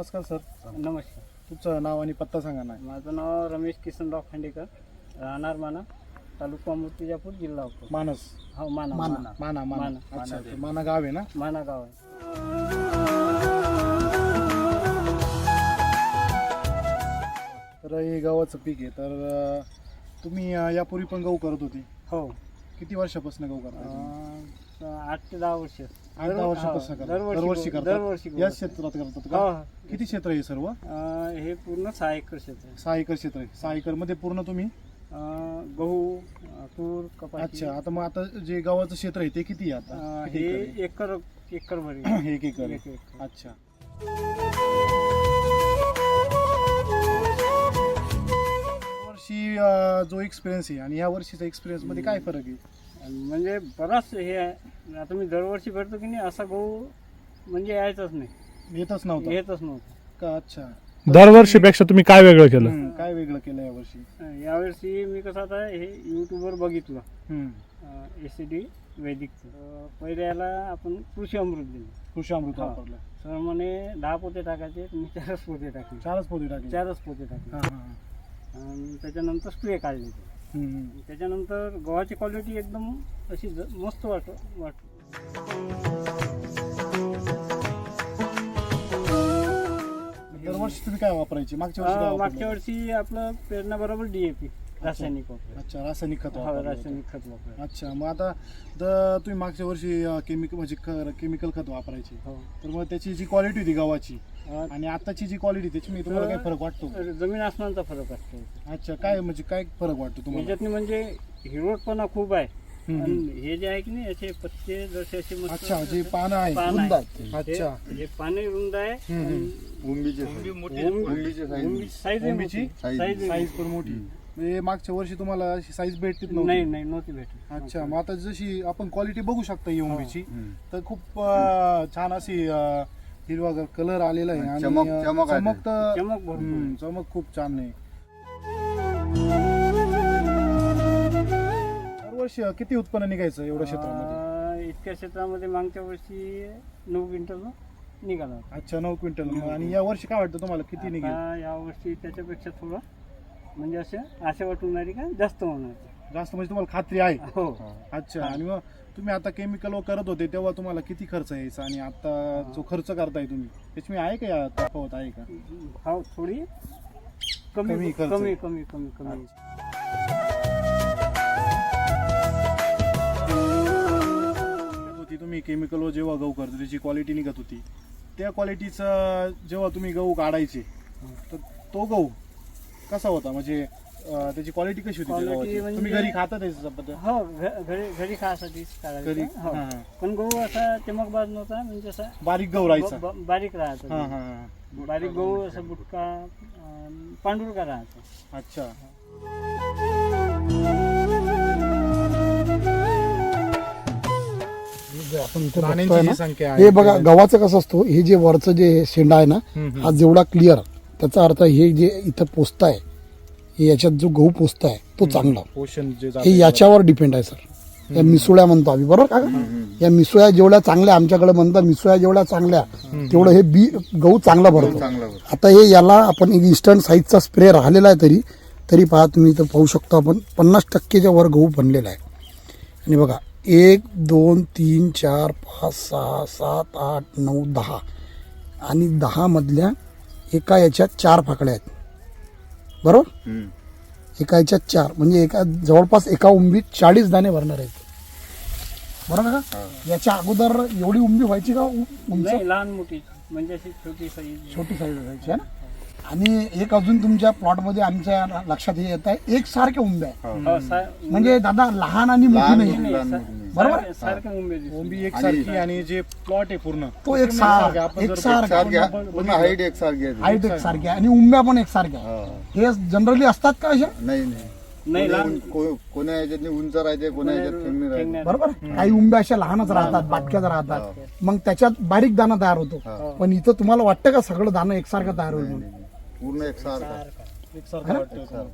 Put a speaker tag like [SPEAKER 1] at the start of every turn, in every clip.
[SPEAKER 1] नमस्कार सर.
[SPEAKER 2] नमस्कार.
[SPEAKER 1] तुमचं नाव आणि पत्ता सांगा ना.
[SPEAKER 2] माझं नाव रमेश किसनराव खांडेकर, राहणार माना, तालुका मूर्तिजापूर, जिल्हा अकोला.
[SPEAKER 1] मानस.
[SPEAKER 2] हो, माना.
[SPEAKER 1] माना माना
[SPEAKER 2] माना.
[SPEAKER 1] अच्छा, ते माना गाव आहे ना.
[SPEAKER 2] माना गाव आहे.
[SPEAKER 1] तर हे गव्हाचं पीक आहे. तर तुम्ही यापूर्वी पण गहू करत होती.
[SPEAKER 2] हो.
[SPEAKER 1] किती वर्षापासून गहू करता?
[SPEAKER 2] 8 ते 10 वर्ष.
[SPEAKER 1] 8-10 वर्षापासून करता. दरवर्षी करता.
[SPEAKER 2] दरवर्षी
[SPEAKER 1] याच क्षेत्रात करतात
[SPEAKER 2] हो.
[SPEAKER 1] का? किती क्षेत्र आहे सर्व?
[SPEAKER 2] हे पूर्ण 6 एकर क्षेत्र आहे.
[SPEAKER 1] 6 एकर क्षेत्र आहे. 6 एकर मध्ये पूर्ण तुम्ही
[SPEAKER 2] गहू, तूर, कपाशी.
[SPEAKER 1] अच्छा. आता जे गव्हाचं क्षेत्र आहे ते किती आहे आता?
[SPEAKER 2] हे एकर भर आहे.
[SPEAKER 1] 1 एकर.
[SPEAKER 2] एक एकर.
[SPEAKER 1] अच्छा. वर्षी जो एक्सपिरियन्स आहे आणि या वर्षीचा एक्सपिरियन्स मध्ये काय फरक आहे?
[SPEAKER 2] म्हणजे बराच हे आहे. आता मी दरवर्षी भरतो की नाही, असा गहू म्हणजे यायचाच नाही,
[SPEAKER 1] येतच नव्हतं
[SPEAKER 2] येतच नव्हतं
[SPEAKER 1] का? अच्छा.
[SPEAKER 3] दरवर्षीपेक्षा तुम्ही काय वेगळं केलं?
[SPEAKER 1] काय वेगळं केलं यावर्षी?
[SPEAKER 2] यावर्षी मी कसं आता हे यूट्यूबवर बघितलं,
[SPEAKER 1] हम्म.
[SPEAKER 2] एसीडी वैदिकचं. पहिले याला आपण कृषी अमृत दिलं.
[SPEAKER 1] कृषी अमृत
[SPEAKER 2] हा.
[SPEAKER 1] वापरलं.
[SPEAKER 2] सर म्हणे 10 पोते टाकायचे, मी 4च पोते टाकले.
[SPEAKER 1] 4च पोते टाकले.
[SPEAKER 2] 4च पोते टाकले.
[SPEAKER 1] हा, हा.
[SPEAKER 2] आणि त्याच्यानंतर स्प्रे काढले ते.
[SPEAKER 1] हम्म.
[SPEAKER 2] त्याच्यानंतर गव्हाची क्वालिटी एकदम अशी मस्त वाटत.
[SPEAKER 1] दरवर्षी तुम्ही काय वापरायचे? मागच्या वर्षी काय
[SPEAKER 2] मागच्या
[SPEAKER 1] वापरलं?
[SPEAKER 2] वर्षी आपलं पेरणा बरोबर DAP रासायनिक वापर.
[SPEAKER 1] अच्छा, रासायनिक खत
[SPEAKER 2] हो,
[SPEAKER 1] वापरलं
[SPEAKER 2] रासायनिक खत वापर.
[SPEAKER 1] होतं. अच्छा. मग आता तुम्ही मागच्या वर्षी केमिकल खत वापरायचे,
[SPEAKER 2] हो.
[SPEAKER 1] तर मग त्याची जी क्वालिटी होती गव्हाची
[SPEAKER 2] अं,
[SPEAKER 1] आणि आताची जी क्वालिटी त्याची तुम्हाला काय फरक वाटतो?
[SPEAKER 2] जमीन आसमानचा फरक असतो
[SPEAKER 1] अच्छा. काय म्हणजे काय फरक वाटतो तुम्हाला?
[SPEAKER 2] याच्यातनी. म्हणजे हिरवटपणा खूप आहे.
[SPEAKER 1] हम्म.
[SPEAKER 2] आणि हे जे आहे की नाही, याचे पत्ते जसे असे मस्त.
[SPEAKER 1] अच्छा, जे पानं आहे.
[SPEAKER 2] पानं
[SPEAKER 1] रुंद
[SPEAKER 2] आहे.
[SPEAKER 1] आहेत. अच्छा.
[SPEAKER 2] हे पाने रुंद आहे.
[SPEAKER 1] हम्म, हम्म.
[SPEAKER 2] उंबीची साईज
[SPEAKER 1] उंबीची
[SPEAKER 2] साईज
[SPEAKER 1] साईज पण मोठी. म्हणजे मागच्या वर्षी तुम्हाला साईज भेटतीच
[SPEAKER 2] नाही नव्हती भेटत.
[SPEAKER 1] अच्छा. मग आता जशी आपण क्वालिटी बघू शकता ही उंबीची, तर खूप छान अशी हिरवा कलर आलेला आहे आणि
[SPEAKER 4] चमक आहे.
[SPEAKER 1] चमक तर
[SPEAKER 2] चमक भरपूर.
[SPEAKER 1] चमक खूप छान आहे. दरवर्षी किती उत्पन्न निघायचं एवढ्या क्षेत्रामध्ये?
[SPEAKER 2] इतक्या क्षेत्रामध्ये मागच्या वर्षी 9 क्विंटल निघाला.
[SPEAKER 1] अच्छा, 9 क्विंटल. आणि या वर्षी काय वाटतं तुम्हाला किती निघेल?
[SPEAKER 2] या वर्षी त्याच्यापेक्षा थोडं म्हणजे असं आशा वाटून राहिली का जास्त होणार.
[SPEAKER 1] जास्त म्हणजे तुम्हाला खात्री आहे?
[SPEAKER 2] हो.
[SPEAKER 1] अच्छा. आणि मग तुम्ही आता केमिकल करत होते तेव्हा तुम्हाला किती खर्च यायचा आणि आता जो खर्च करताय तुम्ही त्याची आहे का, या तफावत आहे का?
[SPEAKER 2] हो, थोडी
[SPEAKER 1] कमी
[SPEAKER 2] कमी
[SPEAKER 1] खर्च.
[SPEAKER 2] कमी कमी कमी कमी.
[SPEAKER 1] होती तुम्ही केमिकल जेव्हा गहू करतो त्याची क्वालिटी निघत होती, त्या क्वालिटीचा जेव्हा तुम्ही गहू काढायचे तर तो गहू कसा होता? म्हणजे त्याची क्वालिटी कशी होती?
[SPEAKER 2] Quality
[SPEAKER 1] गव्हाची?
[SPEAKER 2] म्हणजे-
[SPEAKER 1] तुम्ही घरी खाता त्याच्या पद्धत?
[SPEAKER 2] हो, घरी खायसाठी
[SPEAKER 1] घरी?
[SPEAKER 2] हो.
[SPEAKER 1] हा, हा.
[SPEAKER 2] पण गहू असा चमकबाज नव्हता, म्हणजे असा
[SPEAKER 1] बारीक गहू राहायचा.
[SPEAKER 2] बारीक
[SPEAKER 1] हा,
[SPEAKER 2] राहायचा.
[SPEAKER 1] हा, हा.
[SPEAKER 2] बारीक गहू असा बुटका, पांढुरका राहायचा.
[SPEAKER 1] अच्छा.
[SPEAKER 5] आपण इथे बघतोय
[SPEAKER 1] प्राण्यांची
[SPEAKER 5] ना,
[SPEAKER 1] जी संख्या आहे
[SPEAKER 5] हे बघा गव्हाचं कसं असतो, हे जे वरचं जे शेंडा आहे ना, हा जेवढा क्लिअर, त्याचा अर्थ हे जे इथं पोचताय, हे याच्यात जो गहू पोचताय तो चांगला,
[SPEAKER 1] पोषण जे
[SPEAKER 5] हे
[SPEAKER 1] जातंय
[SPEAKER 5] याच्यावर डिपेंड आहे सर. या मिसुळ्या म्हणतो आम्ही, बरोबर का? या मिसुळ्या जेवढ्या चांगल्या, आमच्याकडे म्हणतात मिसुळ्या जेवढ्या चांगल्या तेवढं हे गहू चांगला भरतो. आता हे याला आपण एक इन्स्टंट साईजचा स्प्रे राहिलेला आहे, तरी पहा तुम्ही इथं पाहू शकतो आपण 50% वर गहू बनलेला आहे. आणि बघा 1 2 3 4 5 6 7 8 9 10 आणि 10 मधल्या एका याच्यात 4 फाकड्या आहेत, बरोबर? एका याच्यात 4 म्हणजे जवळपास एका उंबीत 40 दाणे भरणार आहेत, बरोबर का? याच्या अगोदर एवढी उंबी व्हायची का? उंच
[SPEAKER 2] नाही, लहान मोठी म्हणजे अशी छोटी साईज.
[SPEAKER 5] छोटी साईज असायची आहे ना. आणि एक अजून तुमच्या प्लॉटमध्ये आमच्या लक्षात हे येत आहे, एकसारख्या उंब्या आहे. म्हणजे दादा लहान आणि मोठी नाही, बरोबर?
[SPEAKER 2] सारख्या उंबे
[SPEAKER 1] ओंबी एकसारखी आणि जे प्लॉट आहे पूर्ण
[SPEAKER 5] तो एकसारखा हाईट एकसारखी आहे आणि उंब्या पण एकसारख्या. हे जनरली असतात का अशा?
[SPEAKER 2] नाही, लहान
[SPEAKER 4] कोणा याच्यात उंच राहते, कोणा याच्यात कमी राहते.
[SPEAKER 5] बरोबर. काही उंब्या अशा लहानच राहतात, बाटक्याच राहतात, मग त्याच्यात बारीक दाणा तयार होतो. पण इथं तुम्हाला वाटतं का सगळं दाणं एकसारखं तयार होईल म्हणून?
[SPEAKER 4] पूर्ण एकसारखा.
[SPEAKER 1] एकसारखं वाटतं.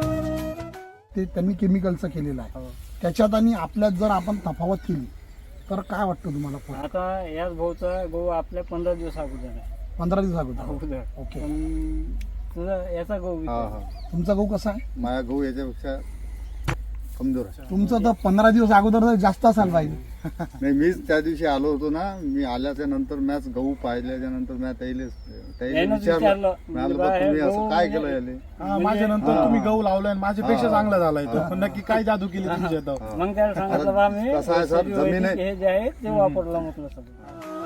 [SPEAKER 5] ते त्यांनी केमिकलचं केलेलं आहे. त्याच्यात आणि आपल्यात जर आपण तफावत केली तर काय वाटतं तुम्हाला फरक?
[SPEAKER 2] आता याच भाऊचा गहू आपल्या 15 दिवस अगोदर आहे
[SPEAKER 5] 15 दिवस अगोदर
[SPEAKER 2] अगोदर.
[SPEAKER 5] ओके.
[SPEAKER 2] पण तुझा याचा गहू
[SPEAKER 4] हा
[SPEAKER 2] विचार.
[SPEAKER 4] हा
[SPEAKER 5] तुमचा गहू कसा आहे?
[SPEAKER 4] माझा गहू याच्यापेक्षा कमजोर आहे.
[SPEAKER 5] तुमचं तर 15 दिवस अगोदर तर जास्त असायला पाहिजे.
[SPEAKER 4] नाही मीच त्या दिवशी आलो होतो ना, मी आल्याच्या नंतर मॅच गहू पाहिल्याच्या नंतर मी त्याला
[SPEAKER 2] यानंच
[SPEAKER 4] विचारलं
[SPEAKER 2] विचारलं.
[SPEAKER 4] म्हणालं,
[SPEAKER 2] बा,
[SPEAKER 4] "बा,
[SPEAKER 2] हे
[SPEAKER 4] तुम्ही असं
[SPEAKER 2] गहू
[SPEAKER 4] काय
[SPEAKER 2] म्हणजे-
[SPEAKER 4] केलं याले?"
[SPEAKER 1] हा, माझ्या नंतर तुम्ही गहू लावलाय आणि माझ्यापेक्षा
[SPEAKER 4] हा.
[SPEAKER 1] चांगला झालाय तो. पण नक्की काय जादू केली तुमच्या इथं?
[SPEAKER 2] मग त्याला सांगितलं बा मी
[SPEAKER 4] कसं आहे सर, जमीन आहे.
[SPEAKER 2] हे जे आहे ते वापरलं म्हटलं सगळं.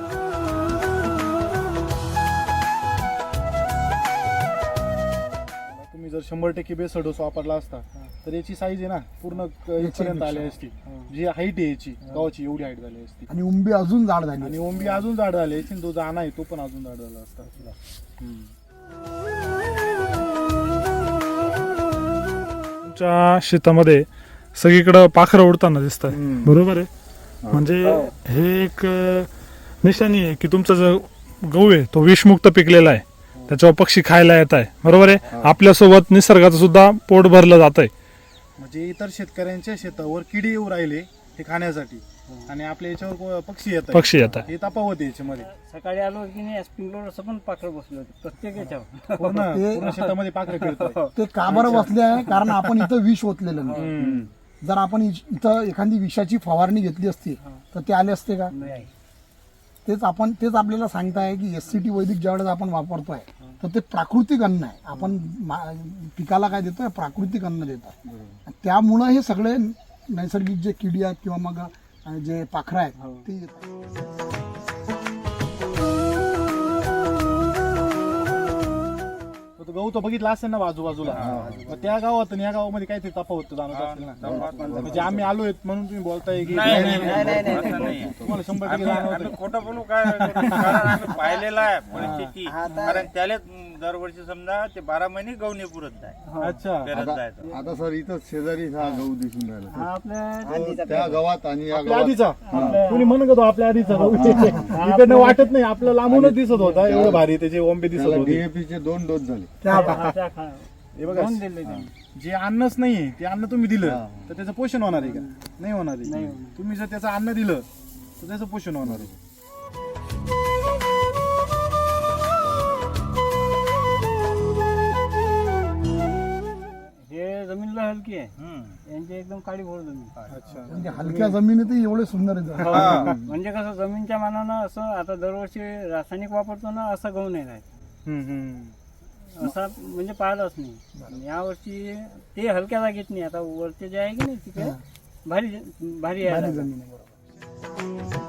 [SPEAKER 1] तुम्ही जर 100% बेसल डोस वापरला असता तर याची साईज आहे ना पूर्ण इथपर्यंत आली असती. जी हाईट आहे याची गव्हाची एवढी हाईट झाली असती
[SPEAKER 5] आणि उंबी अजून जाड झाली.
[SPEAKER 1] आणि ओंबी अजून जाड झाली असती आणि तो दाना आहे तो पण अजून जाड झाला असता.
[SPEAKER 3] तुमच्या शेतामध्ये सगळीकडं पाखरं उडताना दिसत आहे, बरोबर आहे? म्हणजे हे एक निशाणी आहे की तुमचा जो गहू आहे तो विषमुक्त पिकलेला आहे, त्याच्यावर पक्षी खायला येत आहे, बरोबर आहे? आपल्यासोबत निसर्गाचं सुद्धा पोट भरलं जात आहे.
[SPEAKER 1] म्हणजे इतर शेतकऱ्यांच्या शेतावर किडी येऊ राहिले हे खाण्यासाठी आणि आपल्या याच्यावर पक्षी येत
[SPEAKER 3] पक्षी येत आहे.
[SPEAKER 1] हे तफावत आहे याच्यामध्ये.
[SPEAKER 2] सकाळी आलो की नाही स्प्रिंकलर असं पण पाखरं बसले होते प्रत्येक याच्यावर.
[SPEAKER 1] पूर्ण शेतामध्ये पाखरं फिरतात.
[SPEAKER 5] ते का बरं बसले आहे? कारण आपण इथं विष ओतलेलं नाही. जर आपण इथं एखादी विषाची फवारणी घेतली असती तर ते आले असते का?
[SPEAKER 2] नाही.
[SPEAKER 5] तेच आपल्याला सांगताय की SCT वैदिक ज्यावेळेस आपण वापरतोय तर ते प्राकृतिक अन्न आहे. आपण पिकाला काय देतोय? प्राकृतिक अन्न देतोय. त्यामुळं हे सगळे नैसर्गिक जे किडी आहेत किंवा मग जे पाखरं आहेत ते येतात.
[SPEAKER 1] तो गहू तो बघितला असेल ना आजूबाजूला, मग त्या गावात आणि या गावामध्ये काहीतरी तफावत जाणवत असेल ना. म्हणजे आम्ही आलोय म्हणून तुम्ही बोलताय की तुम्हाला 100% जाणवत
[SPEAKER 6] आम्ही खोटं बोलू काय? कारण आम्ही पाहिलेलं आहे परिस्थिती. कारण त्याला दरवर्षी समजा ते 12 महिने गहू नाही पुरत आहे.
[SPEAKER 1] अच्छा.
[SPEAKER 6] पेरत जायचं.
[SPEAKER 4] आता सर इथं शेजारी हा गहू दिसून राहिला.
[SPEAKER 2] हा आपल्या
[SPEAKER 4] तो त्या गावात आणि या
[SPEAKER 1] आपल्या
[SPEAKER 4] गावात
[SPEAKER 1] आधीचा कोणी म्हणत होतो आपल्या आधीचा गहू. इकडनं वाटत नाही, आपलं लांबूनच दिसत होता एवढं भारी त्याचे ओंबे दिसत
[SPEAKER 4] त्याला
[SPEAKER 1] होते.
[SPEAKER 4] DAP चे 2 डोस झाले.
[SPEAKER 1] हे बघा,
[SPEAKER 2] दोन दिले त्यांनी.
[SPEAKER 1] जे अन्नच नाहीये ते अन्न तुम्ही दिलं तर त्याचं पोषण होणार आहे का? नाही होणार
[SPEAKER 2] नाही
[SPEAKER 1] आहे.
[SPEAKER 2] होणार.
[SPEAKER 1] तुम्ही जर त्याचं अन्न दिलं तर त्याचं पोषण होणार आहे.
[SPEAKER 2] हे जमीनला हलकी आहे, यांची एकदम काळी भोर जमीन.
[SPEAKER 1] अच्छा.
[SPEAKER 5] म्हणजे हलक्या जमिनीतही एवढे सुंदर आहेत.
[SPEAKER 2] म्हणजे कसं जमीनच्या मानानं असं आता दरवर्षी रासायनिक वापरतो ना असं गहू नाही राहत. असा म्हणजे पाहिलाच नाही. यावर्षी ते हलक्या जागेत नाही, आता वरचे जे आहे की नाही तिथे भारी भारी आहे
[SPEAKER 5] भारी
[SPEAKER 2] जागा.
[SPEAKER 5] जमीन आहे, बरोबर.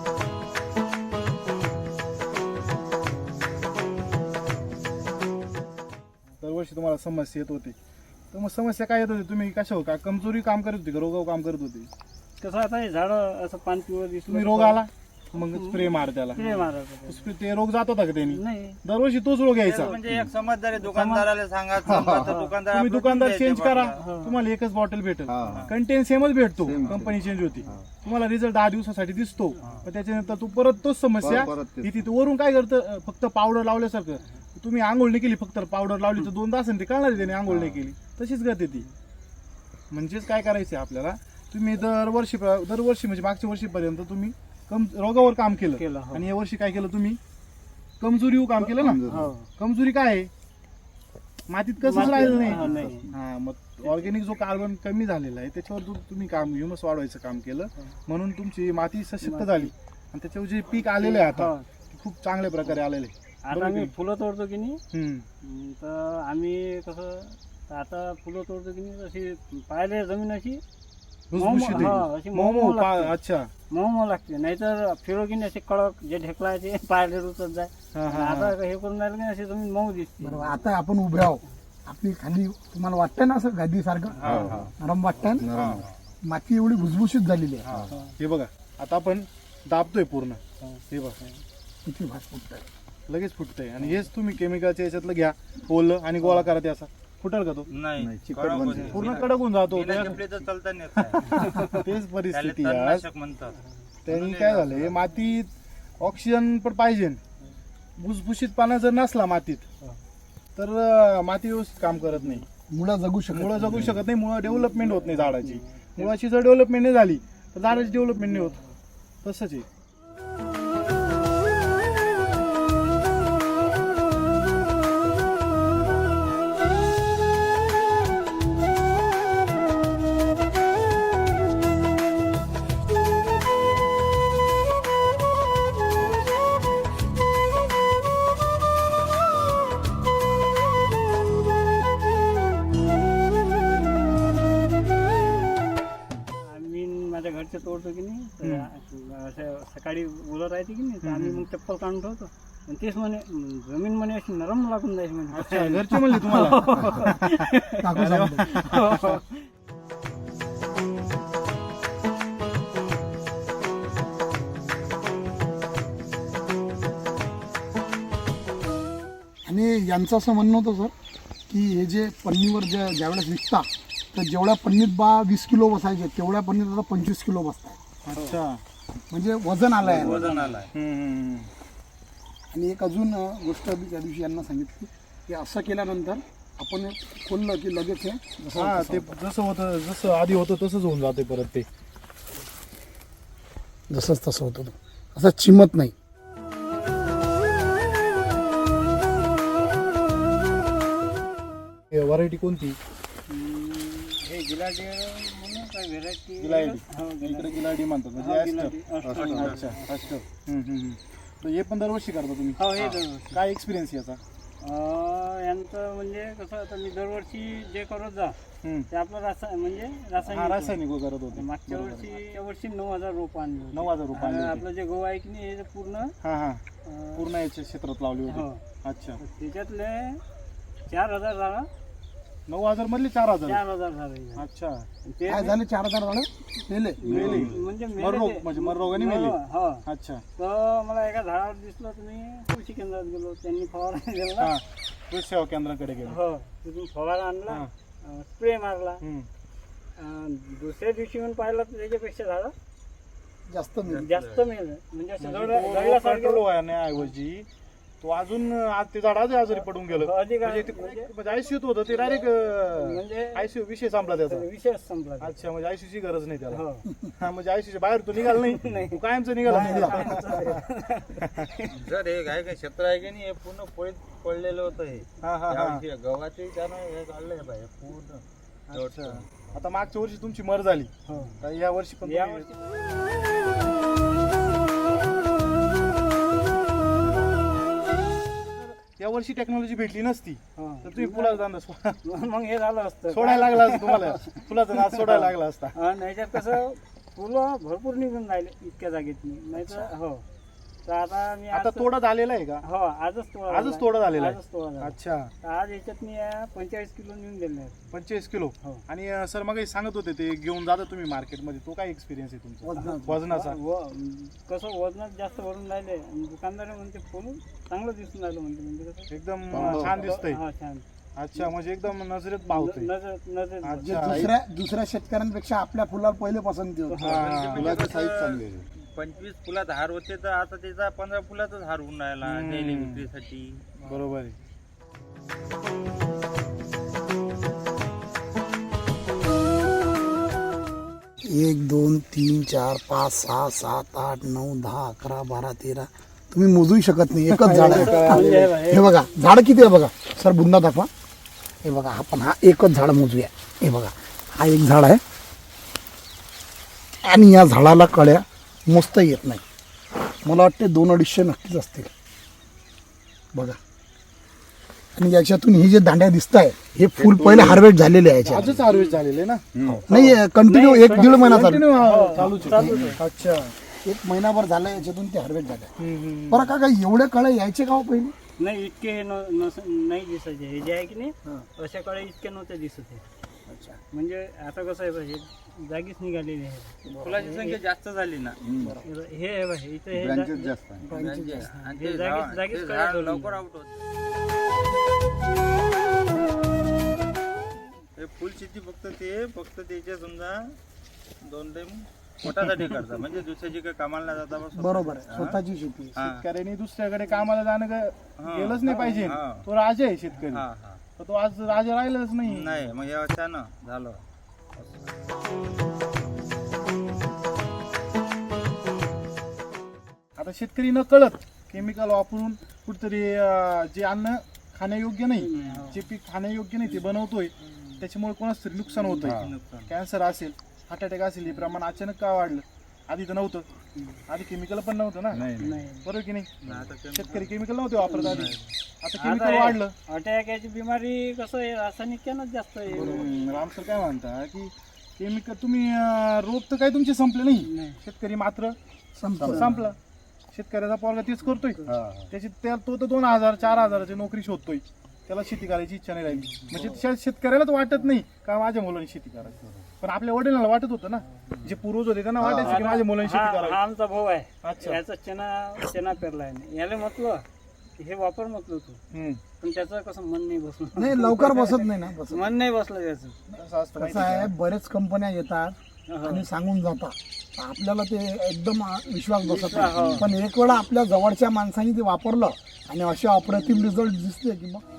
[SPEAKER 1] दरवर्षी तुम्हाला समस्या येत होती, तर मग समस्या काय येत होती? तुम्ही कशावर का कमजोरी काम करत होती का रोगावर काम करत होती?
[SPEAKER 2] कसं आता हे झाडं असं पान पिवळं दिसलं
[SPEAKER 1] तुम्ही रोग आला मग स्प्रे मार त्याला.
[SPEAKER 2] ते मारायचं.
[SPEAKER 1] ते रोग जात होता का त्यांनी?
[SPEAKER 2] नाही
[SPEAKER 1] दरवर्षी तोच रोग यायचा.
[SPEAKER 6] म्हणजे एक समजदारी दुकानदाराला सांगा समजा तर दुकानदार
[SPEAKER 1] तुम्ही
[SPEAKER 6] आपलं
[SPEAKER 1] दुकानदार
[SPEAKER 6] देते
[SPEAKER 1] चेंज
[SPEAKER 6] बा.
[SPEAKER 1] करा, तुम्हाला एकच बॉटल भेटेल. कंटेन सेमच भेटतो, कंपनी चेंज होती. तुम्हाला रिझल्ट 10 दिवसासाठी दिसतो, पण त्याच्यानंतर तू परत तोच समस्या
[SPEAKER 4] परत तेच.
[SPEAKER 1] येते. तू वरून काय करतं? फक्त पावडर लावल्यासारखं. तुम्ही आंघोळ नाही केली, फक्त पावडर लावली तर 2 तास ते कळणार आहे त्याने आंघोळ नाही केली. तशीच करते ती. म्हणजेच काय करायचं आपल्याला? तुम्ही दरवर्षी म्हणजे मागच्या वर्षीपर्यंत तुम्ही रोगावर काम केलं
[SPEAKER 2] हो.
[SPEAKER 1] आणि या वर्षी काय केलं तुम्ही? कमजोरीवर काम केलं ना.
[SPEAKER 2] हो.
[SPEAKER 1] कमजोरी काय आहे? मातीत कसंच राहिलं
[SPEAKER 2] हा,
[SPEAKER 1] नाही.
[SPEAKER 2] नाही.
[SPEAKER 1] हा, मग ऑर्गॅनिक जो कार्बन कमी झालेला आहे त्याच्यावर तुम्ही काम ह्युमस वाढवायचं काम केलं, म्हणून तुमची माती सशक्त झाली आणि त्याच्यावर जे पीक आलेलं आहे आता ते खूप चांगल्या प्रकारे आलेलं आहे.
[SPEAKER 2] आता आम्ही फुलं तोडतो की नाही,
[SPEAKER 1] हम्म.
[SPEAKER 2] तर आम्ही कसं आता फुलं तोडतो की नाही अशी पाहिले जमीन अशी
[SPEAKER 1] भुसभुशीत आहे.
[SPEAKER 2] हा, अशी
[SPEAKER 1] मऊ
[SPEAKER 2] मऊ
[SPEAKER 1] लागते. अच्छा.
[SPEAKER 2] मऊ लागते. नाहीतर फिरो की नाही असे कडक जे ढेकळायचे पायले रुचत जाय.
[SPEAKER 1] हा, हा,
[SPEAKER 2] आता हे करून राहिलं की नाही अशी जमीन मऊ दिसते.
[SPEAKER 5] बरोबर. आता आपण उभे आहोत, आपली खाली तुम्हाला वाटतंय ना असं गादी सारखं नरम वाटतंय ना? माती एवढी भुसभुशीत झालेली आहे.
[SPEAKER 1] हे बघा, आता आपण दाबतोय पूर्ण. हे बघा
[SPEAKER 5] किती भात फुटतंय.
[SPEAKER 1] लगेच फुटतंय. आणि हेच तुम्ही केमिकलच्या याच्यातलं घ्या, ओलं आणि गोळा करा ते असा. फुटेल का तो?
[SPEAKER 6] नाही
[SPEAKER 4] चिकट
[SPEAKER 6] कडक
[SPEAKER 4] बनते.
[SPEAKER 6] होते.
[SPEAKER 1] पूर्ण कडक होऊन जातो.
[SPEAKER 6] बिना चपलीचं चालता नाही येत आहे.
[SPEAKER 1] तेच
[SPEAKER 6] त्याला
[SPEAKER 1] परिस्थिती आहे.
[SPEAKER 6] तणनाशक म्हणतात.
[SPEAKER 1] त्यांनी काय झालंय, मातीत ऑक्सिजन पण पाहिजे. भुसभुशीतपणा जर नसला मातीत तर माती व्यवस्थित काम करत नाही.
[SPEAKER 5] मुळं जगू शकत
[SPEAKER 1] मुळं जगू शकत नाही. मुळं डेव्हलपमेंट होत नाही झाडाची. मुळाची जर डेव्हलपमेंट नाही झाली तर झाडाची डेव्हलपमेंट नाही होत. तसंच आहे.
[SPEAKER 2] आम्ही माझ्या घरचे तोडतो की नाही तर असं सकाळी उलट राहते की नाही तर आम्ही मग चप्पल काढून ठेवतो आणि तेच म्हणे जमीन म्हणे अशी नरम लागून जायची म्हणे.
[SPEAKER 1] अच्छा, घरचे म्हणले तुम्हाला?
[SPEAKER 5] काकू सांगतो. आणि यांचं असं म्हणणं होतं सर की हे जे पन्नीवर ज्यावेळेस विकता तर जेवढ्या पन्नीत 20 किलो बसायचे तेवढ्या पन्नीत आता 25 किलो बसतात.
[SPEAKER 1] अच्छा.
[SPEAKER 5] म्हणजे वजन आलं आहे.
[SPEAKER 6] वजन आलाय.
[SPEAKER 5] आणि एक अजून गोष्ट मी त्या दिवशी यांना सांगितली की असं केल्यानंतर आपण हे खोललं की लगेच हे जसं
[SPEAKER 1] हा,
[SPEAKER 5] तसं
[SPEAKER 1] ते जसं होतं, जसं आधी होतं तसंच होऊन जाते परत ते.
[SPEAKER 5] जसंच तसं होतं असं चिमत नाही.
[SPEAKER 1] व्हरायटी कोणती?
[SPEAKER 2] हे गिलाडी म्हणून काय व्हेरायटी
[SPEAKER 1] गिलायडी. इकडे गिलायडी म्हणतात म्हणजे ॲस्टर. अच्छा, ॲस्टर. तर हे पण दरवर्षी करता तुम्ही?
[SPEAKER 2] हो हे दरवर्षी.
[SPEAKER 1] काय एक्सपिरियन्स याचा?
[SPEAKER 2] यांचं म्हणजे कसं आता मी दरवर्षी जे करत जा
[SPEAKER 1] हम्म.
[SPEAKER 2] ते आपलं म्हणजे
[SPEAKER 1] हा,
[SPEAKER 2] रासायनिक
[SPEAKER 1] रासायनिक करत होते.
[SPEAKER 2] मागच्या वर्षी या वर्षी 9,000 रोप आणले होते.
[SPEAKER 1] 9,000 रुपये आणले
[SPEAKER 2] आणि
[SPEAKER 1] होते.
[SPEAKER 2] आपलं जे गहू आहे की नाही हे पूर्ण
[SPEAKER 1] हा हा,
[SPEAKER 2] अं,
[SPEAKER 1] पूर्ण याच्या क्षेत्रात लावली
[SPEAKER 2] हो
[SPEAKER 1] होती. अच्छा.
[SPEAKER 2] त्याच्यातले 4,000 झाला
[SPEAKER 1] 9,000 मधले 4,000.
[SPEAKER 2] 4,000 झाले
[SPEAKER 1] अच्छा.
[SPEAKER 2] ते
[SPEAKER 5] काय झाले 4,000 झाले मेले.
[SPEAKER 1] मेले.
[SPEAKER 2] म्हणजे
[SPEAKER 1] मररोग म्हणजे मररोगाने मेले.
[SPEAKER 2] हो.
[SPEAKER 1] अच्छा.
[SPEAKER 2] तर मला एका झाडावर दिसलं तुम्ही कृषी केंद्रात गेलो त्यांनी फवारा दिला.
[SPEAKER 1] हा, कृषी सेवा केंद्राकडे गेलो.
[SPEAKER 2] हो तिथून फवारा आणला
[SPEAKER 1] हा.
[SPEAKER 2] स्प्रे मारला.
[SPEAKER 1] हम्म.
[SPEAKER 2] दुसऱ्या दिवशी येऊन पाहिलं तर त्याच्यापेक्षा झाडं
[SPEAKER 5] जास्त मेले.
[SPEAKER 2] जास्त मेल म्हणजे असं
[SPEAKER 1] कंट्रोल व्हायऐवजी तो अजून आज ते झाड आजारी पडून गेलं.
[SPEAKER 2] अधिक
[SPEAKER 1] म्हणजे ते म्हणजे आयसीयूत होतं ते डायरेक्ट
[SPEAKER 2] म्हणजे
[SPEAKER 1] आयसीयू विषय संपला त्याचा.
[SPEAKER 2] विषयच संपला.
[SPEAKER 1] अच्छा, म्हणजे आयसीयूची गरज नाही त्याला.
[SPEAKER 2] हो
[SPEAKER 1] हा, म्हणजे आयसीयूच्या बाहेर तो निघाला नाही, तो कायमचा निघाला.
[SPEAKER 6] जर हे काय क्षेत्र आहे की नाही हे पूर्ण पडलेलं होतं हे.
[SPEAKER 1] हा हा हा.
[SPEAKER 6] यावर्षी गव्हाचे त्यानं हे काढलंय बाहेर पूर्ण.
[SPEAKER 1] अच्छा. आता मागच्या वर्षी तुमची मर झाली,
[SPEAKER 2] हो
[SPEAKER 1] तर या वर्षी पण
[SPEAKER 2] या
[SPEAKER 1] तुम्ही-
[SPEAKER 2] वर्षी
[SPEAKER 1] या वर्षी टेक्नॉलॉजी भेटली नसती
[SPEAKER 2] हो.
[SPEAKER 1] तर तुम्ही फुलाचा धंदा
[SPEAKER 2] मग हे झालं असतं
[SPEAKER 1] सोडायला लागला असता तुम्हाला. फुलाचा नाद सोडायला लागला असता.
[SPEAKER 2] नाहीतर कसं फुलं भरपूर निघून राहिले इतक्या जागेत नाही तर हो तर आता मी
[SPEAKER 1] आता
[SPEAKER 2] आज-
[SPEAKER 1] तोडा झालेला आहे का?
[SPEAKER 2] हो आजच तोडा
[SPEAKER 1] आजच
[SPEAKER 2] झाला.
[SPEAKER 1] तोडा झालेला आहे.
[SPEAKER 2] आजच तोडा झाला.
[SPEAKER 1] अच्छा.
[SPEAKER 2] तर आज याच्यात मी 45 किलो नेऊन दिले आहेत.
[SPEAKER 1] 45 किलो.
[SPEAKER 2] हो.
[SPEAKER 1] आणि सर मग सांगत होते ते घेऊन जाता तुम्ही मार्केटमध्ये, तो काय एक्सपिरियन्स आहे तुमचा
[SPEAKER 5] वजनाचा.
[SPEAKER 1] वजनाचा?
[SPEAKER 2] कसं वजनात जास्त भरून राहिले आणि दुकानदार म्हणते फुल चांगलं दिसून राहिलं म्हणजे कसं
[SPEAKER 1] एकदम
[SPEAKER 4] हो.
[SPEAKER 1] छान दिसतंय.
[SPEAKER 2] हा छान
[SPEAKER 1] अच्छा, म्हणजे एकदम नजरेत भावतंय.
[SPEAKER 2] नजर नजर
[SPEAKER 5] म्हणजे
[SPEAKER 1] अच्छा.
[SPEAKER 5] दुसऱ्या शेतकऱ्यांपेक्षा आपल्या फुलाला पहिले पसंती होती.
[SPEAKER 1] हा.
[SPEAKER 4] फुलाची साईज चांगली आहे.
[SPEAKER 6] 25 फुलात हार होते तर आता त्याचा 15 फुलातच हार होऊन राहिला डेली विक्रीसाठी.
[SPEAKER 1] बरोबर आहे.
[SPEAKER 5] 1 2 3 4 5 6 7 8 9 10 11 12 13 तुम्ही मोजूही शकत नाही. एकच झाड आहे. हे बघा झाड किती आहे बघा सर, बुंदा दाखवा. हे बघा आपण हा एकच झाड मोजूया. हे बघा हा एक झाड आहे आणि या झाडाला कळ्या मोजता येत नाही. मला वाटते 2-250 नक्कीच असतील बघा. आणि याच्यातून ही जे दांड्या दिसत आहे हे फुल पहिले हार्वेस्ट झालेले आहे याच्यात.
[SPEAKER 1] आजच हार्वेस्ट झालेले ना?
[SPEAKER 5] नाही कंटिन्यू 1-1.5 महिना चालू.
[SPEAKER 1] Continue चालूच आहे. अच्छा.
[SPEAKER 5] 1 महिनाभर झाला याच्यातून ते हार्वेस्ट झाले. बरं का एवढे कळे यायचे का हो पहिले?
[SPEAKER 2] नाही इतके हे नाही दिसायचे. हे जे आहे की नाही अशा काळे इतके नव्हते दिसत आहे. म्हणजे आता कसं आहे पाहिजे जागीच निघालेली आहे.
[SPEAKER 6] फुलाची संख्या जास्त झाली ना.
[SPEAKER 2] हे आहे पाहिजे इथे हे
[SPEAKER 4] ब्रँचेस जास्त आहे.
[SPEAKER 6] आणि
[SPEAKER 2] हे
[SPEAKER 6] ते
[SPEAKER 2] जागीच- जागीच
[SPEAKER 6] ते
[SPEAKER 2] कळ्या
[SPEAKER 6] झाड
[SPEAKER 2] धरून
[SPEAKER 6] लवकर आउट होत. हे फुल शेती फक्त त्याच्या समजा 2 टाइम पोटासाठी करतात म्हणजे दुसऱ्याची काही कामाला नाही जाता बस.
[SPEAKER 5] बरोबर आहे, स्वतःची शेती.
[SPEAKER 6] हा.
[SPEAKER 1] शेतकऱ्यांनी दुसऱ्याकडे कामाला जाणं गेलंच नाही पाहिजे.
[SPEAKER 6] हा.
[SPEAKER 1] तो राजा आहे शेतकरी,
[SPEAKER 6] हा हा
[SPEAKER 1] तर तो आज राजा राहिलाच नाही.
[SPEAKER 6] नाही मग या वर्षानं झालं.
[SPEAKER 1] आता शेतकरी न कळत केमिकल वापरून कुठतरी जे अन्न खाण्यायोग्य नाही, जे पीक खाण्यायोग्य नाही ते बनवतोय, त्याच्यामुळे कोणाच तरी नुकसान होतंय. कॅन्सर असेल, हार्ट अटॅक असेल, हे प्रमाण अचानक का वाढलं? आधी तर नव्हतं, आधी केमिकल पण नव्हतं ना, बरोबर की नाही? शेतकरी केमिकल नव्हते वापरत आधी, आता केमिकल वाढलं.
[SPEAKER 2] अटॅक याची बिमारी कसं आहे, रासायनिकच जास्त आहे.
[SPEAKER 1] राम सर काय म्हणता की केमिकल तुम्ही रोग तर काही तुमचे संपले नाही, शेतकरी मात्र संपला. शेतकऱ्याचा पोरगा तेच करतोय, त्याची तो तर 2,000-4,000ची नोकरी शोधतोय, त्याला शेती करायची इच्छा नाही राहिली. म्हणजे शेतकऱ्यालाच वाटत नाही का माझ्या मुलांनी शेती करायची, पण आपल्या वडिलांना वाटत होतं ना, जे पूर्वज होते त्यांना वाटायचं की माझ्या मुलांनी शेती
[SPEAKER 2] हा
[SPEAKER 1] करायची.
[SPEAKER 2] आमचा भाऊ आहे,
[SPEAKER 1] अच्छा.
[SPEAKER 2] याचा चना पेरलाय. याला म्हटलं हे वापर म्हटलं तू, पण त्याचं कसं मन नाही बसलं.
[SPEAKER 5] नाही लवकर बसत नाही ना.
[SPEAKER 2] मन नाही बसलं त्याचं.
[SPEAKER 1] कसं असतं
[SPEAKER 5] कसं आहे, बरेच कंपन्या येतात आणि सांगून जातात, आपल्याला ते एकदम विश्वास बसत नाही. पण एक वेळा आपल्या जवळच्या माणसांनी ते वापरलं आणि असे अप्रतिम रिझल्ट दिसले की मग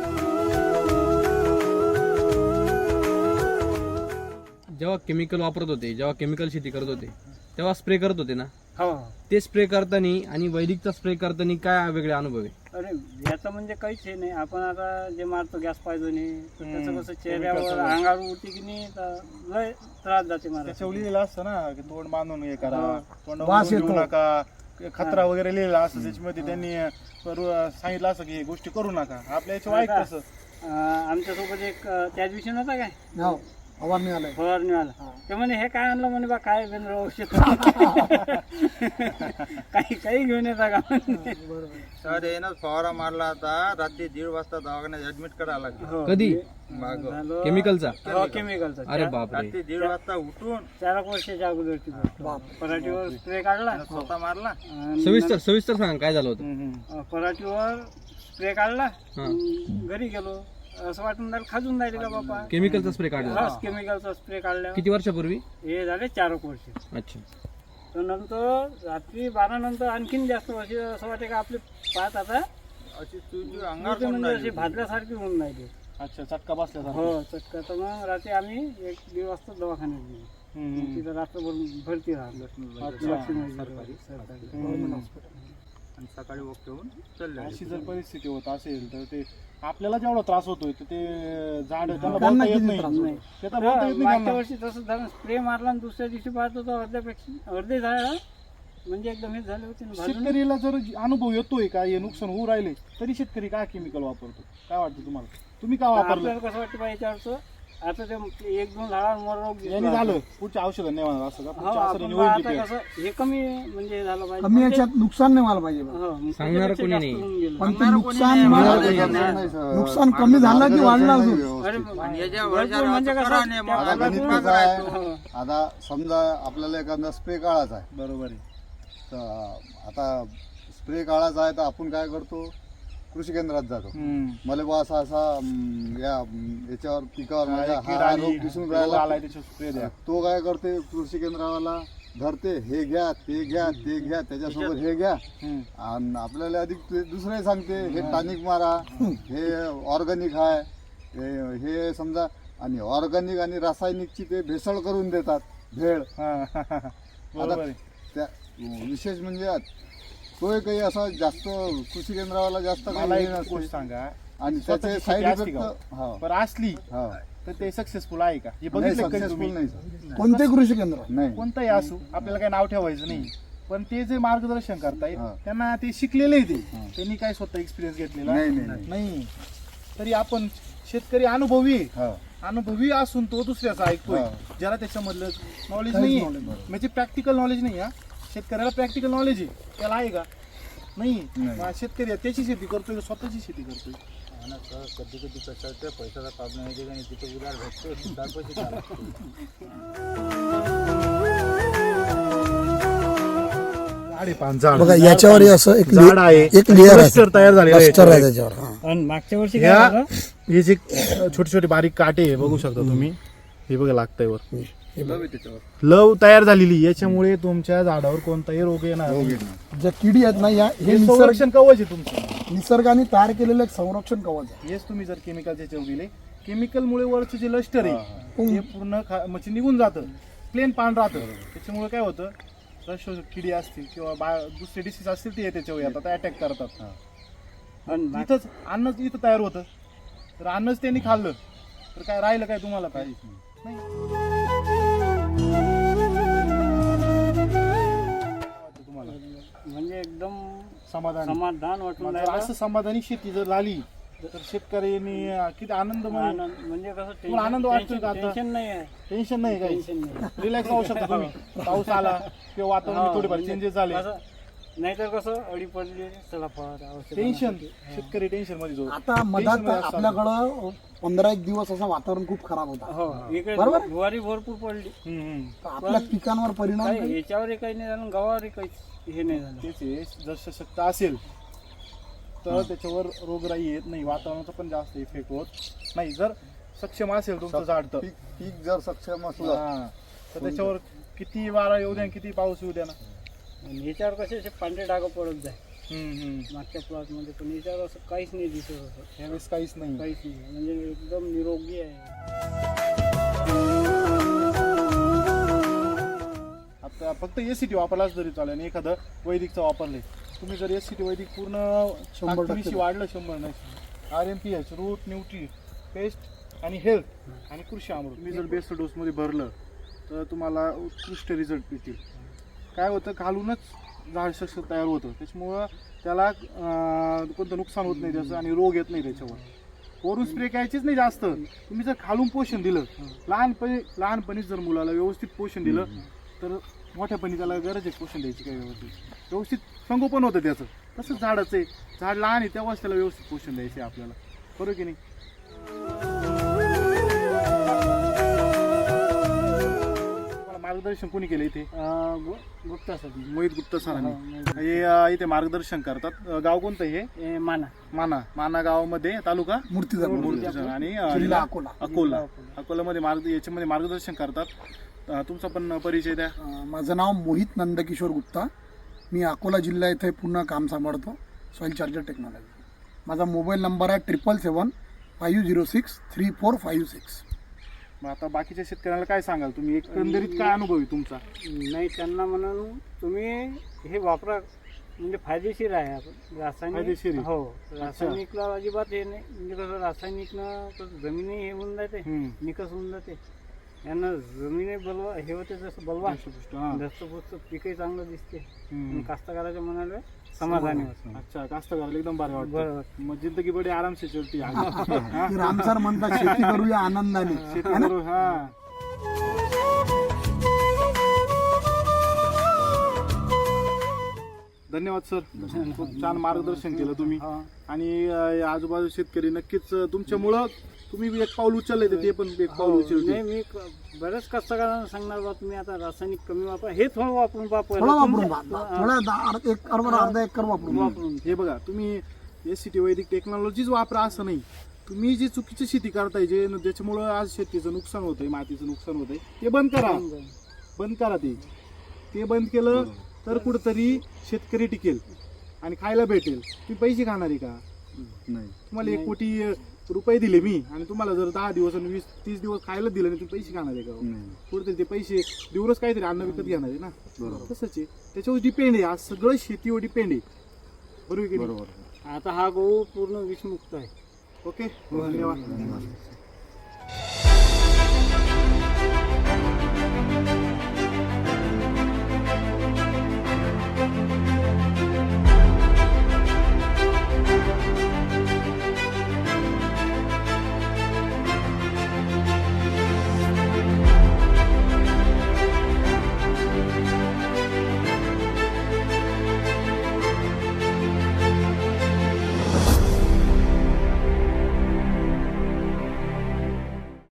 [SPEAKER 7] जेव्हा केमिकल वापरत होते, जेव्हा केमिकल शेती करत होते, तेव्हा स्प्रे करत होते ना,
[SPEAKER 2] हो.
[SPEAKER 7] ते स्प्रे करताना आणि वैदिकचा स्प्रे करताना काय वेगळे अनुभव आहे?
[SPEAKER 2] अरे याचं म्हणजे काहीच हे नाही. आपण आता जे मारतो गॅस पाहिजे नाही, तर त्याचं कसं चेहऱ्यावर अंगावर उठते की नाही, तर लय त्रास जाते मला.
[SPEAKER 1] त्याच्यावर लिहिलेलं असतं ना की तोंड बांधून हे करा,
[SPEAKER 5] वास
[SPEAKER 1] तोंड
[SPEAKER 5] येतो.
[SPEAKER 1] नका, खतरा वगैरे लिहिलेला असतं त्याच्यामध्ये. त्यांनी सांगितलं असं की हे गोष्टी करू नका. आपल्या याच्या वाईट कसं
[SPEAKER 2] आमच्यासोबत एक त्या दिवशी नव्हता काय
[SPEAKER 5] हो, फवारणी आलाय.
[SPEAKER 2] फवारणीवाला, ते म्हणे हे काय आणलं म्हणे बा, काय बेंद्र औषध काही घेऊन येता का?
[SPEAKER 6] सर येणं फवारा मारला होता, रात्री 1:30 वाजता दवाखान्यात ऍडमिट करायला लागलं.
[SPEAKER 2] हो.
[SPEAKER 7] कधी?
[SPEAKER 6] मागं.
[SPEAKER 2] झालं.
[SPEAKER 7] केमिकलचा?
[SPEAKER 2] हो, केमिकलचा.
[SPEAKER 7] अरे बापरे.
[SPEAKER 6] रात्री 1:30 वाजता उठून
[SPEAKER 2] 4 वर्षाच्या अगोदरची गोष्ट. पराठीवर स्प्रे काढला,
[SPEAKER 6] स्वतः मारला.
[SPEAKER 2] आणि
[SPEAKER 7] सविस्तर सांगा काय झालं होतं?
[SPEAKER 2] पराठीवर स्प्रे काढला,
[SPEAKER 7] हा.
[SPEAKER 2] घरी गेलो, असं वाटून राहिलं खाजून राहिले का बापा.
[SPEAKER 7] केमिकलचा स्प्रे काढला?
[SPEAKER 2] हा, केमिकलचा स्प्रे काढला.
[SPEAKER 7] किती वर्षापूर्वी?
[SPEAKER 2] हे झाले 4 वर्ष.
[SPEAKER 7] अच्छा.
[SPEAKER 2] तर नंतर रात्री 12 नंतर आणखीन जास्त वर्ष असं वाटे का आपले पाच आता
[SPEAKER 6] अशी तुझी अंगावर
[SPEAKER 2] म्हणजे
[SPEAKER 6] पडून
[SPEAKER 2] अशी
[SPEAKER 6] राहिली.
[SPEAKER 2] भाजल्यासारखी होऊन राहिली.
[SPEAKER 1] अच्छा, चटका बसल्यासारखा.
[SPEAKER 2] हो, चटका. तर मग रात्री आम्ही 1-1.5 वाजता दवाखान्यात गेलो. मग तिथं रात्रभर भरती राहिलो. सरकारी.
[SPEAKER 6] आणि सकाळी वक्त होऊन चालले.
[SPEAKER 1] अशी जर परिस्थिती होत असेल तर ते आपल्याला जेवढा त्रास होतोय तर ते झाड त्यांना
[SPEAKER 5] त्यांना
[SPEAKER 1] बोलता येत
[SPEAKER 5] किती
[SPEAKER 1] नाही.
[SPEAKER 5] त्रास
[SPEAKER 2] नाही.
[SPEAKER 1] ते तर बोलता येत नाही
[SPEAKER 2] मागच्या
[SPEAKER 1] त्यांना.
[SPEAKER 2] वर्षी तसं झालं, स्प्रे मारला आणि दुसऱ्या दिवशी पाहतो तर अर्धे झालं म्हणजे एकदम हे झाले होते ना भाजून.
[SPEAKER 1] शेतकरीला जर अनुभव येतोय का हे नुकसान होऊ राहिले, तरी शेतकरी काय केमिकल वापरतो? काय वाटतं तुम्हाला? तुम्ही का वापरलं?
[SPEAKER 2] आपल्याला कसं वाटतं पाहिजे याच्यावरचं, आता ते 1-2 झाडांवर रोग दिसला.
[SPEAKER 1] यांनी झालं पुढच्या औषधं नाही म्हणा असं का?
[SPEAKER 2] हो,
[SPEAKER 1] पुढच्या
[SPEAKER 2] आपण
[SPEAKER 1] औषधांनी
[SPEAKER 2] बा
[SPEAKER 1] होईल
[SPEAKER 2] आता
[SPEAKER 1] की
[SPEAKER 2] कसं हे कमी म्हणजे हे झालं पाहिजे.
[SPEAKER 5] कमी
[SPEAKER 2] पण ते-
[SPEAKER 5] याच्यात नुकसान नाही व्हायला पाहिजे बा.
[SPEAKER 2] हो, मग
[SPEAKER 7] सांगणारं
[SPEAKER 2] त्याच्यापेक्षा
[SPEAKER 7] कोणी
[SPEAKER 2] जास्त
[SPEAKER 7] नाही.
[SPEAKER 2] होऊन गेलं.
[SPEAKER 5] पण ते
[SPEAKER 6] सांगणारं
[SPEAKER 5] नुकसान
[SPEAKER 6] कोणी
[SPEAKER 5] मला-
[SPEAKER 6] नाही.
[SPEAKER 5] नुकसान कमी झालं की वाढलं अजून?
[SPEAKER 2] अरे
[SPEAKER 6] आणि याच्या
[SPEAKER 2] भरपूर
[SPEAKER 6] वरच्या
[SPEAKER 2] म्हणजे
[SPEAKER 6] राहतो
[SPEAKER 2] कसं
[SPEAKER 6] करा नाही, मग
[SPEAKER 2] त्या
[SPEAKER 4] आता गणित
[SPEAKER 2] भागातून-
[SPEAKER 4] कसं आहे,
[SPEAKER 2] हो.
[SPEAKER 4] आता समजा आपल्याला एखादा स्प्रे काढायचा आहे,
[SPEAKER 1] बरोबर आहे.
[SPEAKER 4] तर आता स्प्रे काढायचा आहे तर आपण काय करतो, कृषी केंद्रात जातो. मला बा असा याच्यावर पिकावर माझ्या
[SPEAKER 1] कीड
[SPEAKER 4] हा
[SPEAKER 1] आली,
[SPEAKER 4] रोग दिसून
[SPEAKER 1] रोग
[SPEAKER 4] राहिला,
[SPEAKER 1] आलाय त्याच्यावर स्प्रे द्या.
[SPEAKER 4] तो काय करते, कृषी केंद्रावाला धरते, हे घ्या ते घ्या ते घ्या, त्याच्यासोबत हे घ्या, आणि आपल्याला अधिक दुसरे सांगते, हे टॉनिक मारा, हे ऑर्गॅनिक आहे, हे समजा, आणि ऑर्गॅनिक आणि रासायनिकची ते भेसळ करून देतात, भेळ.
[SPEAKER 1] बरोबर आहे.
[SPEAKER 4] त्या विशेष म्हणजे तोही काही असा जास्त कृषी केंद्रावाला जास्त
[SPEAKER 1] मला
[SPEAKER 4] काही
[SPEAKER 1] एक
[SPEAKER 4] हे नसते.
[SPEAKER 1] गोष्ट सांगा,
[SPEAKER 4] आणि
[SPEAKER 1] स्वतःची
[SPEAKER 4] त्याचे
[SPEAKER 1] शेती
[SPEAKER 4] साईड
[SPEAKER 1] असते
[SPEAKER 4] इफेक्ट
[SPEAKER 1] का? पण असली तर ते सक्सेसफुल आहे का हे
[SPEAKER 4] नाही,
[SPEAKER 1] बघितलं कधी
[SPEAKER 4] सक्सेसफुल
[SPEAKER 1] तुम्ही?
[SPEAKER 4] नाही सर.
[SPEAKER 5] कोणते कृषी केंद्र?
[SPEAKER 4] नाही.
[SPEAKER 1] कोणताही असो, आपल्याला काही नाव ठेवायचं नाही, पण ते जे मार्गदर्शन करतायत
[SPEAKER 4] हा.
[SPEAKER 1] त्यांना ते शिकलेले आहे, त्यांनी काय स्वतः एक्सपिरियन्स घेतलेला नाही. तरी आपण शेतकरी अनुभवी आहे.
[SPEAKER 4] हा.
[SPEAKER 1] अनुभवी असून तो दुसऱ्याचा ऐकतोय,
[SPEAKER 4] हा.
[SPEAKER 1] ज्याला त्याच्यामधलं नॉलेज
[SPEAKER 5] काहीच
[SPEAKER 1] नाही
[SPEAKER 5] knowledge नाही.
[SPEAKER 1] म्हणजे प्रॅक्टिकल नॉलेज नाही. हा, शेतकऱ्याला प्रॅक्टिकल नॉलेज आहे, त्याला आहे का? नाही.
[SPEAKER 4] नाही.
[SPEAKER 1] मग शेतकरी आहे, त्याची शेती करतोय का स्वतःची शेती करतोय?
[SPEAKER 6] कधी कधी कसं ते पैशाचा प्रॉब्लेम येते आणि तिथे उधार भेटतो, उधार पैसे द्यावे लागतात.
[SPEAKER 5] बघा याच्यावर हे असं एक
[SPEAKER 1] झाड आहे,
[SPEAKER 5] एक लेअर
[SPEAKER 1] cluster तयार झालेलं आहे
[SPEAKER 5] क्लस्टर आहे
[SPEAKER 1] याच्यावर.
[SPEAKER 5] त्याच्यावर. हा.
[SPEAKER 2] आणि मागच्या वर्षी काय
[SPEAKER 1] ह्या
[SPEAKER 2] झालं?
[SPEAKER 1] हे जे छोटे छोटे बारीक काटे आहे, बघू शकता तुम्ही, हे बघा लागतंय वर लव तयार झालेली, याच्यामुळे तुमच्या झाडावर कोणताही रोग येणार नाही.
[SPEAKER 5] ज्या किडी आहेत ना या हे
[SPEAKER 1] हे संरक्षण कवच आहे तुमचं.
[SPEAKER 5] निसर्गाने तयार केलेलं एक संरक्षण कवच आहे.
[SPEAKER 1] हेच तुम्ही जर केमिकलचे चव दिले, केमिकलमुळे वरचं जे लष्टर आहे ते पूर्ण म्हणजे निघून जातं, प्लेन पान राहतं. त्याच्यामुळे काय होतं, रश किडी असतील किंवा दुसरे डिसीज असतील ते त्याच्यावर येतात अटॅक करतात.
[SPEAKER 2] आणि
[SPEAKER 1] इथंच अन्नच इथं तयार होतं तर अन्नच त्यांनी खाल्लं तर काय राहिलं काय तुम्हाला काय नाही. तुम्हाला
[SPEAKER 2] म्हणजे एकदम
[SPEAKER 1] समाधान
[SPEAKER 2] समाधान वाटून
[SPEAKER 1] जर
[SPEAKER 2] राहिलं.
[SPEAKER 1] असं समाधानी शेती जर झाली तर शेतकऱ्यांनी किती आनंदमय
[SPEAKER 2] आनंद म्हणजे कसं
[SPEAKER 1] तुम्हाला आनंद वाटतोय का आता?
[SPEAKER 2] टेन्शन नाही आहे.
[SPEAKER 1] टेन्शन नाही काही
[SPEAKER 2] टेन्शन नाही.
[SPEAKER 1] रिलॅक्स राहू शकता तुम्ही. पाऊस आला किंवा वातावरण थोडेफार चेंजेस झाले
[SPEAKER 2] असं नाहीतर कसं अडी पडली चला
[SPEAKER 1] टेन्शन शेतकरी टेन्शन मध्ये जो
[SPEAKER 5] आता मधात आपल्याकडं 15-1 दिवस असं वातावरण खूप खराब होता.
[SPEAKER 2] हो इकडे
[SPEAKER 5] बरोबर?
[SPEAKER 2] ज्वारी भरपूर पडली.
[SPEAKER 5] तर आपल्या पिकांवर परिणाम
[SPEAKER 2] काही
[SPEAKER 5] नाही.
[SPEAKER 2] याच्यावरही काही नाही झालं गव्हावरही काही हे नाही झालं.
[SPEAKER 1] तेच आहे, जर सशक्त असेल तर त्याच्यावर रोगराई येत नाही, वातावरणाचा पण जास्त इफेक्ट होत नाही. जर सक्षम असेल तुमचं झाड तर
[SPEAKER 4] पीक जर सक्षम असलं
[SPEAKER 1] हा, तर त्याच्यावर किती वारा येऊ द्या किती पाऊस येऊ द्या ना.
[SPEAKER 2] आणि याच्यावर कसे असे पांढरे डाग पडत जाय मागच्या प्लॉट मध्ये, पण याच्यावर असं काहीच नाही दिसत होतं.
[SPEAKER 1] ह्यावेळेस काहीच नाही.
[SPEAKER 2] काहीच नाही म्हणजे एकदम निरोगी आहे.
[SPEAKER 1] आता फक्त एसीटी वापरलाच जरी चालेल आणि एखादं वैदिकचं वापरले तुम्ही जर एसीटी वैदिक पूर्ण 100% वाढलं 100 नाही RMPH रूट न्यूट्री पेस्ट आणि हेल्थ आणि कृषी अमृत तुम्ही जर बेस्ट डोसमध्ये भरलं तर तुम्हाला उत्कृष्ट रिझल्ट मिळतील. काय होतं घालूनच झाड सक्षम तयार होतं, त्याच्यामुळं त्याला कोणतं नुकसान होत नाही त्याचं आणि रोग येत नाही त्याच्यावर. वरून स्प्रे करायचीच नाही जास्त. तुम्ही जर खालून पोषण दिलं लहानपणीच जर मुलाला व्यवस्थित पोषण दिलं तर मोठ्यापणी त्याला गरज आहे पोषण द्यायची काही व्यवस्थित संगोपन होतं त्याचं. तसंच झाडाचं आहे, झाड लहान आहे तेव्हाच त्याला व्यवस्थित पोषण द्यायचं आहे आपल्याला, बरोबर की नाही. तुम्हाला मार्गदर्शन कोणी केलं इथे?
[SPEAKER 2] गुप्ता सर
[SPEAKER 1] मोहित गुप्ता सरांनी हे इथे मार्गदर्शन करतात. गाव कोणतं हे? माना गावामध्ये तालुका मूर्तिजापूर आणि
[SPEAKER 5] जिल्हा अकोला.
[SPEAKER 1] अकोलामध्ये याच्यामध्ये मार्गदर्शन करतात. तुमचा पण परिचय द्या.
[SPEAKER 5] माझं नाव मोहित नंदकिशोर गुप्ता. मी अकोला जिल्हा इथे पूर्ण काम सांभाळतो, सॉईल चार्जर टेक्नॉलॉजी. माझा मोबाईल नंबर आहे 777-506-3456.
[SPEAKER 1] मग आता बाकीच्या शेतकऱ्याला काय सांगाल तुम्ही? एकंदरीत काय अनुभव आहे तुमचा?
[SPEAKER 2] नाही त्यांना म्हणून तुम्ही हे वापरा म्हणजे फायदेशीर आहे. आपण
[SPEAKER 1] फायदेशीर
[SPEAKER 2] रासायनिक
[SPEAKER 1] आहे.
[SPEAKER 2] हो रासायनिकला अजिबात हे नाही. म्हणजे कसं रासायनिकनं कसं जमिनी हे होऊन जाते, निकस होऊन जाते. यांना जमिनी बलवा हे होते जसं बलवा दस्तपुस्त पिकही चांगलं दिसते आणि कास्तकाराच्या मनाला समाधानी होतं.
[SPEAKER 1] अच्छा, कास्तकाराला एकदम भारी वाटतं.
[SPEAKER 2] बरोबर.
[SPEAKER 1] मग जिंदगी बडी आराम से चलती आहे.
[SPEAKER 5] की रामसर म्हणतात शेती करूया आनंदाने.
[SPEAKER 1] शेती करू. हा धन्यवाद सर, खूप छान मार्गदर्शन केलं तुम्ही. आणि आजूबाजू शेतकरी नक्कीच तुमच्यामुळं तुम्ही एक पाऊल उचलले तर ते पण एक पाऊल उचलले.
[SPEAKER 2] नाही मी बऱ्याच कास्तकारांना सांगणार बा तुम्ही आता रासायनिक कमी वापरा, हे थोडं वापरून पहा
[SPEAKER 5] थोडं वापरून अर्धा एकर वापरून.
[SPEAKER 1] हे बघा तुम्ही एसीटी वैदिक टेक्नॉलॉजीच वापरा असं नाही. तुम्ही जी चुकीची शेती करताय जे ज्याच्यामुळं आज शेतीचं नुकसान होतंय, मातीचं नुकसान होतंय, ते बंद करा. ते बंद केलं तर कुठंतरी शेतकरी टिकेल आणि खायला भेटेल. तुम्ही पैसे खाणारी का?
[SPEAKER 4] नाही.
[SPEAKER 1] तुम्हाला 1 कोटी रुपये दिले मी आणि तुम्हाला जर 10 दिवस आणि 20-30 दिवस खायला दिलं नाही तुम्ही पैसे खाणार आहे का? कुठेतरी ते पैसे दिवस काहीतरी अन्न विकत घेणार आहे ना. तसंच आहे, त्याच्यावर डिपेंड आहे. आज सगळं शेतीवर डिपेंड आहे, बरोबर की नाही?
[SPEAKER 2] आता हा गहू पूर्ण विषमुक्त आहे.
[SPEAKER 1] ओके, धन्यवाद.